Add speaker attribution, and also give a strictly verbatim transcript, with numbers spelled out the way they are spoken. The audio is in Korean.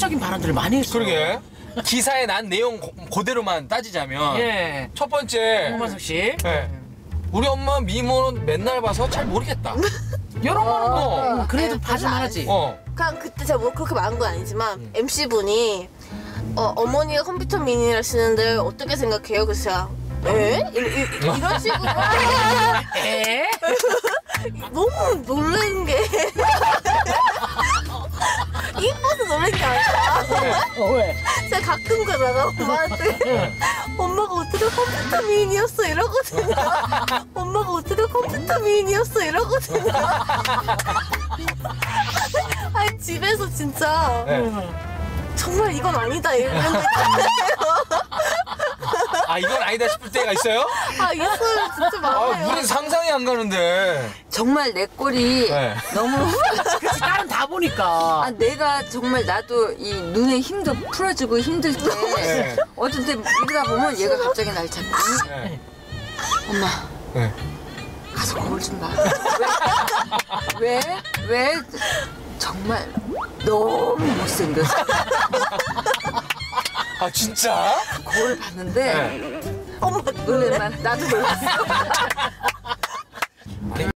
Speaker 1: 폭발적인 발언들을 많이 했어.
Speaker 2: 그러게. 기사에 난 내용 고, 그대로만 따지자면
Speaker 1: 예.
Speaker 2: 첫 번째
Speaker 1: 홍만석 씨.
Speaker 2: 네. 우리 엄마 미모는 맨날 봐서 잘 모르겠다.
Speaker 1: 이런 거는 뭐
Speaker 2: 어.
Speaker 1: 그래도
Speaker 3: 네,
Speaker 1: 봐줄만
Speaker 3: 맞아.
Speaker 1: 하지.
Speaker 2: 어.
Speaker 3: 그냥 그때 제가 뭐 그렇게 말한 건 아니지만
Speaker 2: 음.
Speaker 3: 엠씨분이 어, 어머니가 컴퓨터 미니를 쓰는데 어떻게 생각해요? 그래서 제가 에? 이, 이, 이런 식으로
Speaker 1: 에?
Speaker 3: 너무 놀란 게 이뻐서 놀란 게 아니라
Speaker 1: 어, 왜?
Speaker 3: 제가 가끔 가다가 엄마한테 엄마가 어떻게 컴퓨터 미인이었어 이러거든요. 엄마가 어떻게 컴퓨터 미인이었어 이러거든요. 아니 집에서 진짜
Speaker 2: 네.
Speaker 3: 정말 이건 아니다 이러는데
Speaker 2: 아 이건 아니다 싶을 때가 있어요?
Speaker 3: 아 있어요 진짜
Speaker 2: 아
Speaker 3: 많아요.
Speaker 2: 우린 상상이 안 가는데.
Speaker 4: 정말 내 꼴이
Speaker 2: 네.
Speaker 4: 너무
Speaker 1: 그치, 딸은 다 보니까.
Speaker 4: 아 내가 정말 나도 이 눈에 힘도 풀어주고 힘들 때
Speaker 2: 네.
Speaker 4: 어떤 때 이러다 보면 얘가 갑자기 날 잡고
Speaker 2: 네.
Speaker 4: 엄마
Speaker 2: 네.
Speaker 4: 가서 거울 좀 봐. 왜? 왜? 왜? 정말 너무 못생겼어.
Speaker 2: 아 진짜?
Speaker 4: 거울 봤는데
Speaker 2: 네.
Speaker 4: 엄마 놀랄만 나도 놀랐어.